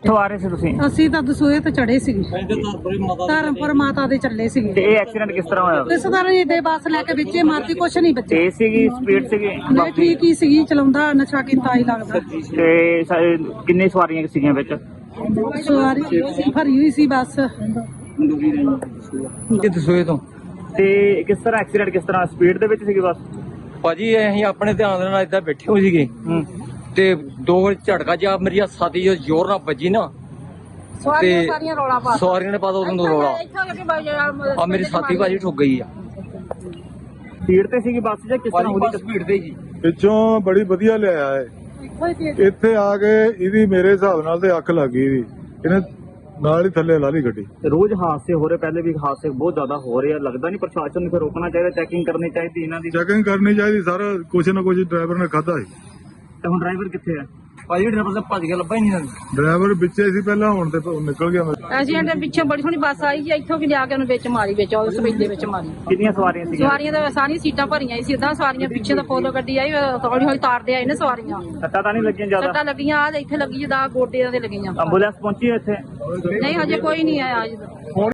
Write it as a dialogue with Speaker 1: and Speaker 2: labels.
Speaker 1: ਕਿੱਥੋਂ ਆ ਰਹੇ ਸੀ ਤੁਸੀਂ?
Speaker 2: ਅਸੀਂ ਤਾਂ ਦਸੂਏ ਤੇ ਚੜੇ ਸੀਗੇ, ਧਰਮਪੁਰ ਮਾਤਾ ਦੇ ਚੱਲੇ ਸੀਗੇ।
Speaker 1: ਤੇ ਇਹ ਐਕਸੀਡੈਂਟ ਕਿਸ ਤਰ੍ਹਾਂ ਹੋਇਆ?
Speaker 2: ਇਸ ਤਰ੍ਹਾਂ ਹੀ ਦੇ ਬੱਸ ਲੈ ਕੇ ਵਿੱਚੇ ਮਾਰਤੀ, ਕੁਛ ਨਹੀਂ ਬੱਚੇ।
Speaker 1: ਤੇਜ਼ ਸੀਗੀ, ਸਪੀਡ ਸੀਗੀ?
Speaker 2: ਨਹੀਂ ਠੀਕ ਹੀ ਸੀਗੀ, ਚਲਾਉਂਦਾ ਨਸ਼ਾ ਕੀਤਾ ਹੀ ਲੱਗਦਾ।
Speaker 1: ਤੇ ਕਿੰਨੀ ਸਵਾਰੀਆਂ ਸੀਗੀਆਂ ਵਿੱਚ?
Speaker 2: ਸਵਾਰੀ ਭਰੀ ਹੋਈ ਸੀ ਬੱਸ।
Speaker 3: ਕਿ ਦਸੂਏ ਤੋਂ।
Speaker 1: ਤੇ ਕਿਸ ਤਰ੍ਹਾਂ ਐਕਸੀਡੈਂਟ, ਕਿਸ ਤਰ੍ਹਾਂ ਸਪੀਡ ਦੇ ਵਿੱਚ ਸੀਗੀ ਬੱਸ?
Speaker 3: ਭਾਜੀ ਅਸੀਂ ਆਪਣੇ ਧਿਆਨ ਦੇ ਨਾਲ ਏਦਾਂ ਬੈਠੇ ਹੋਏ ਸੀਗੇ ਤੇ ਦੋ ਵਾਰ ਝਟਕਾ ਜਾ ਮੇਰੀ ਸਾਥੀ ਜੋ ਜ਼ੋਰ ਨਾਲ ਵੱਜੀ ਨਾ,
Speaker 2: ਸਵਾਰੀਆਂ ਸਾਰੀਆਂ ਰੌਲਾ ਪਾ
Speaker 3: ਸਵਾਰੀਆਂ ਨੇ ਪਾਤਾ ਉਦੋਂ ਰੌਲਾ। ਆ ਮੇਰੀ ਸਾਥੀ ਭਾਜੀ ਠੁੱਕ ਗਈ ਆ।
Speaker 1: ਸਪੀਡ ਤੇ ਸੀਗੀ ਬੱਸ ਜਾਂ ਕਿਸ ਤਰ੍ਹਾਂ ਉਹਦੀ?
Speaker 3: ਸਪੀਡ ਤੇ ਜੀ।
Speaker 4: ਪਿੱਛੋਂ ਬੜੀ ਵਧੀਆ ਲਿਆਇਆ ਹੈ, ਇੱਥੇ ਆ ਕੇ ਇਹਦੀ ਮੇਰੇ ਹਿਸਾਬ ਨਾਲ ਤੇ ਅੱਖ ਲੱਗ ਗਈ ਇਹਦੀ, ਇਹਨੇ ਨਾਲ ਹੀ ਥੱਲੇ ਲਾ ਲਈ ਗੱਡੀ।
Speaker 1: ਰੋਜ਼ ਹਾਦਸੇ ਹੋ ਰਹੇ, ਪਹਿਲੇ ਵੀ ਹਾਦਸੇ ਬਹੁਤ ਜ਼ਿਆਦਾ ਹੋ ਰਹੇ ਆ, ਲੱਗਦਾ ਨਹੀਂ ਪ੍ਰਸ਼ਾਸਨ ਨੂੰ ਫਿਰ ਰੋਕਣਾ ਚਾਹੀਦਾ, ਚੈਕਿੰਗ ਕਰਨੀ ਚਾਹੀਦੀ ਇਹਨਾਂ ਦੀ?
Speaker 4: ਚੈਕਿੰਗ ਕਰਨੀ ਚਾਹੀਦੀ, ਸਾਰਾ ਕੁਛ ਨਾ ਕੁਛ ਡਰਾਈਵਰ ਨੇ ਖਾਧਾ ਸੀ।
Speaker 1: ਤੇ ਹੁਣ ਡਰਾਈਵਰ ਕਿੱਥੇ ਆ?
Speaker 3: ਭਾਜੀ ਡਰਾਈਵਰ ਤਾਂ ਭੱਜ ਗਿਆ, ਲੱਭਾ ਹੀ ਨਹੀਂ।
Speaker 4: ਡਰਾਈਵਰ ਵਿੱਚੇ ਸੀ ਪਹਿਲਾਂ, ਹੁਣ ਤੇ ਉਹ ਨਿਕਲ ਗਿਆ।
Speaker 2: ਐਕਸੀਡੈਂਟ ਪਿੱਛੇ ਬੜੀ ਸੋਹਣੀ ਬੱਸ ਆਈ ਜੀ, ਇੱਥੋਂ ਕਿ ਲਿਆ ਕੇ ਉਹਨੂੰ ਵਿੱਚ ਮਾਰੀ, ਵਿੱਚ ਉਸ ਵਿੱਚ ਦੇ ਵਿੱਚ ਮਾਰੀ।
Speaker 1: ਕਿੰਨੀਆਂ ਸਵਾਰੀਆਂ ਸੀਗੀਆਂ?
Speaker 2: ਸਵਾਰੀਆਂ ਤਾਂ ਸਾਰੀਆਂ ਸੀਟਾਂ ਭਰੀਆਂ ਸੀ, ਉਦਾਂ ਸਵਾਰੀਆਂ ਪਿੱਛੇ ਤਾਂ ਫੋਲੋ ਗੱਡੀ ਆਈ, ਹੌਲੀ ਹੌਲੀ ਤਾਰਦੇ ਆਏ ਨੇ ਸਵਾਰੀਆਂ।
Speaker 1: ਸੱਟਾਂ ਤਾਂ ਨਹੀਂ ਲੱਗੀਆਂ ਜ਼ਿਆਦਾ?
Speaker 2: ਸੱਟਾਂ ਲੱਗੀਆਂ ਆ ਇੱਥੇ ਲੱਗੀ, ਜਿੱਦਾਂ ਗੋਡਿਆਂ ਤੇ ਲੱਗੀਆਂ।
Speaker 1: ਐਂਬੂਲੈਂਸ ਪਹੁੰਚੀ ਇੱਥੇ?
Speaker 2: ਨਹੀਂ ਹਜੇ ਕੋਈ ਨਹੀਂ ਆਇਆ ਅੱਜ।